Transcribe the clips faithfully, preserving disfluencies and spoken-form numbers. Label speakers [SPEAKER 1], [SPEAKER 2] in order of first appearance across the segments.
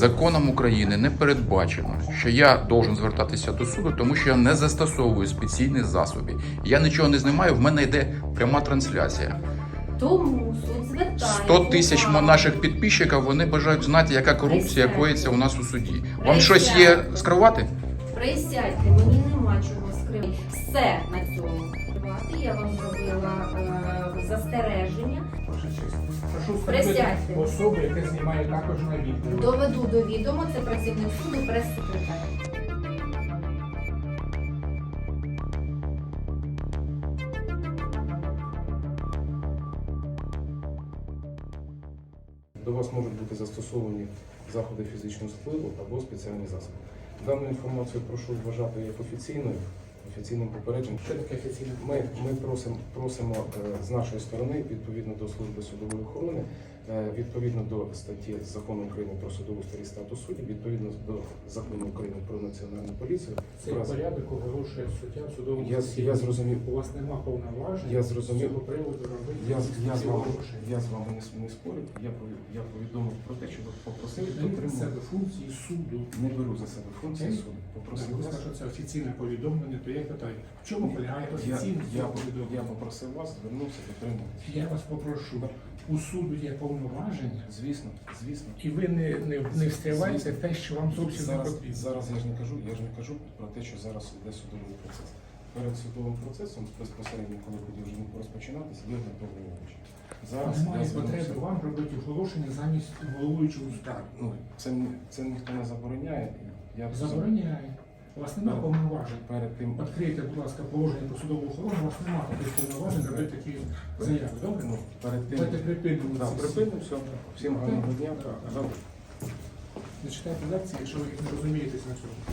[SPEAKER 1] Законом України не передбачено, що я должен звертатися до суду, тому що я не застосовую спеційних засобів. Я нічого не знімаю, в мене йде пряма трансляція.
[SPEAKER 2] Тому суд звертає
[SPEAKER 1] сто тисяч
[SPEAKER 2] увагу.
[SPEAKER 1] наших підписчиків, вони бажають знати, яка корупція
[SPEAKER 2] Присядьте.
[SPEAKER 1] коїться у нас у суді. Вам щось є скривати?
[SPEAKER 2] Присядьте, мені нема чого скривати. Все на цьому. Я вам зробила е, застереження.
[SPEAKER 3] Ваша честь. Прошу
[SPEAKER 2] Присядьте.
[SPEAKER 3] встановити особу, яка знімає також на відео.
[SPEAKER 2] Доведу до відома, це працівник суду, прес-секретар.
[SPEAKER 4] До вас можуть бути застосовані заходи фізичного впливу або спеціальні засоби. Дану інформацію прошу вважати як офіційною, офіційним попередженням.
[SPEAKER 3] Що таке офіційне?
[SPEAKER 4] Ми, ми просимо, просимо е, з нашої сторони, відповідно до служби судової охорони, е, відповідно до статті Закону України про судову старі статус суддів, відповідно до Закону України про національну поліцію.
[SPEAKER 3] Цей
[SPEAKER 4] Раз-
[SPEAKER 3] порядок оголошує суддя в судовому
[SPEAKER 4] Я,
[SPEAKER 3] засіданні.
[SPEAKER 4] я зрозумів.
[SPEAKER 3] У вас нема повноважень
[SPEAKER 4] Я зрозумів.
[SPEAKER 3] з цього приводу робити
[SPEAKER 4] Я, я, з
[SPEAKER 3] ці
[SPEAKER 4] вами,
[SPEAKER 3] оголошення.
[SPEAKER 4] я з вами не, с- не спорю. Я, пові- я повідомив про те, що ви попросили
[SPEAKER 3] Ви берете на себе
[SPEAKER 4] дотримувати.
[SPEAKER 3] функції суду.
[SPEAKER 4] Не беру за себе функції
[SPEAKER 3] Окей.
[SPEAKER 4] суду.
[SPEAKER 3] Так,
[SPEAKER 4] Попросив
[SPEAKER 3] ви
[SPEAKER 4] вас.
[SPEAKER 3] сказали, що це офіційне повідомлення, то я питаю, в чому полягає
[SPEAKER 4] Я,
[SPEAKER 3] офіційне
[SPEAKER 4] я,
[SPEAKER 3] повідомлення?
[SPEAKER 4] я попросив вас, звернувся, дотримуватися.
[SPEAKER 3] Я вас попрошу, у суду є повноваження,
[SPEAKER 4] Звісно, звісно.
[SPEAKER 3] і ви не, не, не встріваєте в те, що вам зовсім не
[SPEAKER 4] Зараз,
[SPEAKER 3] потрібно.
[SPEAKER 4] зараз я ж не кажу, я ж не кажу про те, що зараз йде судовий процес. Перед судовим процесом, безпосередньо, коли буде вже розпочинатися, є доповнювач. Зараз
[SPEAKER 3] Немає
[SPEAKER 4] я звернувся.
[SPEAKER 3] потреби вам робити оголошення замість головуючого скарги.
[SPEAKER 4] Ну, це, це ніхто не забороняє. Я
[SPEAKER 3] Забороняє. У вас немає повноважень.
[SPEAKER 4] перед тим,
[SPEAKER 3] Відкрийте, будь ласка, положення про судову охорону, у вас немає таких повноважень робити такі заяви. Добре?
[SPEAKER 4] ну, перед тим,
[SPEAKER 3] Давайте припинимо
[SPEAKER 4] да,
[SPEAKER 3] ці всі.
[SPEAKER 4] припинимо все. Всім гарного дня.
[SPEAKER 3] Так, так.
[SPEAKER 4] Добре.
[SPEAKER 3] Не читайте лекції, якщо ви не розумієтесь на цьому.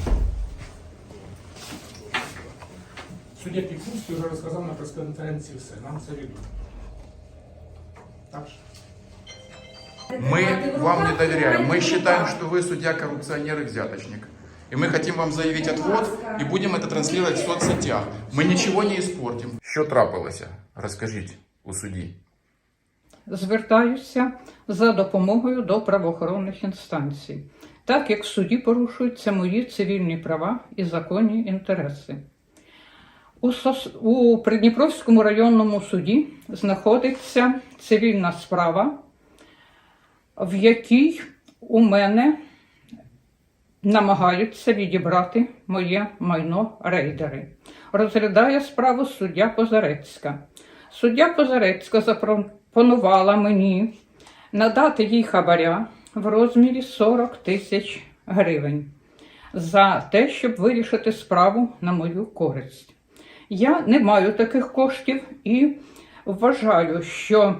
[SPEAKER 3] Суддя Пікунський вже розказав на прес-конференції все. Нам це відомо. Так же?
[SPEAKER 1] Мы вам не доверяем. Мы считаем, что вы судья, коррупционер и взяточник. И мы хотим вам заявить отвод и будем это транслировать в соцсетях. Мы ничего не испортим. Що трапилося? Розкажіть у суді.
[SPEAKER 5] Звертаюся за допомогою до правоохоронних інстанцій, так як в суді порушуються мої цивільні права і законні інтереси. У, Сос... у Придніпровському районному суді знаходиться цивільна справа, в якій у мене намагаються відібрати моє майно рейдери. Розглядає справу суддя Позарецька. Суддя Позарецька запропонувала мені надати їй хабаря в розмірі сорок тисяч гривень за те, щоб вирішити справу на мою користь. Я не маю таких коштів і вважаю, що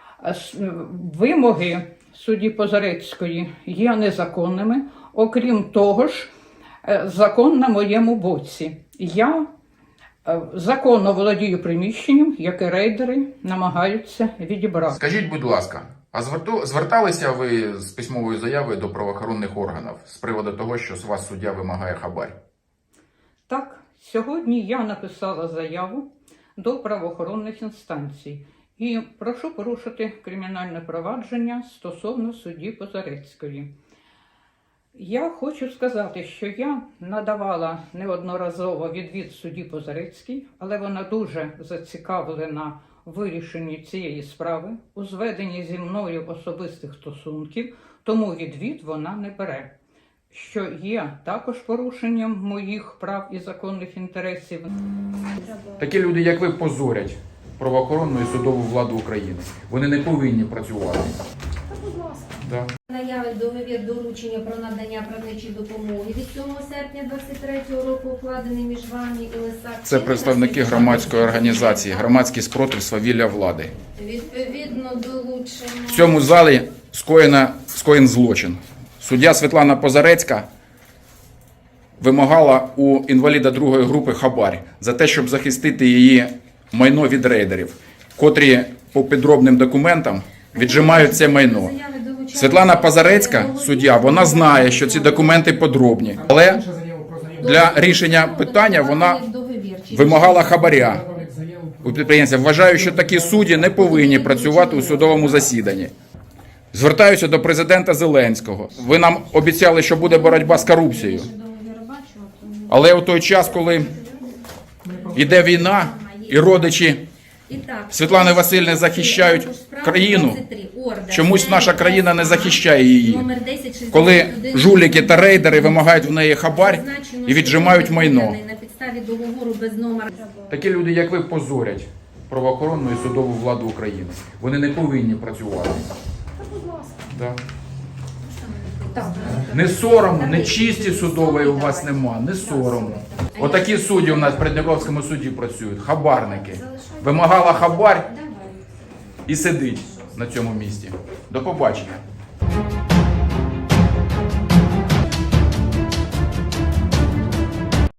[SPEAKER 5] вимоги судді Позарецької є незаконними. Окрім того ж, закон на моєму боці. Я законно володію приміщенням, яке рейдери намагаються відібрати.
[SPEAKER 1] Скажіть, будь ласка, а зверту- зверталися ви з письмовою заявою до правоохоронних органів з приводу того, що з вас суддя вимагає хабар?
[SPEAKER 5] Так, сьогодні я написала заяву до правоохоронних інстанцій і прошу порушити кримінальне провадження стосовно судді Позарецької. Я хочу сказати, що я надавала неодноразово відвід судді Позарецькій, але вона дуже зацікавлена в вирішенні цієї справи, у зведенні зі мною особистих стосунків, тому відвід вона не бере, що є також порушенням моїх прав і законних інтересів.
[SPEAKER 1] Такі люди, як ви, позорять правоохоронну і судову владу України. Вони не повинні працювати.
[SPEAKER 2] Та, будь ласка.
[SPEAKER 1] Да.
[SPEAKER 2] Наявить договір доручення про надання правничої допомоги від сьомого серпня двадцять третього року, укладений між вами і Лисак.
[SPEAKER 1] Це представники громадської організації «Громадський спротив свавілля влади».
[SPEAKER 2] Відповідно долучення.
[SPEAKER 1] В цьому залі скоєно, скоєн злочин. Суддя Світлана Позарецька вимагала у інваліда другої групи хабар за те, щоб захистити її майно від рейдерів, котрі по підробним документам віджимають це майно. Світлана Позарецька, суддя, вона знає, що ці документи подробні, але
[SPEAKER 3] Інша заява про заяву.
[SPEAKER 1] для рішення питання вона вимагала хабаря у підприємця. Вважаю, що такі судді не повинні працювати у судовому засіданні. Звертаюся до президента Зеленського. Ви нам обіцяли, що буде боротьба з корупцією. Але у той час, коли йде війна і родичі
[SPEAKER 2] І так,
[SPEAKER 1] Світлани Васильівни захищають країну, чомусь наша країна не захищає її. Коли жуліки та рейдери вимагають в неї хабар і віджимають майно.
[SPEAKER 2] На підставі договору без номера.
[SPEAKER 1] Такі люди, як ви, позорять правоохоронну і судову владу України. Вони не повинні працювати. Да. Не соромно, не чисті судової у вас нема, не соромно. Отакі судді у нас в Придніпровському суді працюють, хабарники. Вимагала хабар і сидить на цьому місці. До побачення.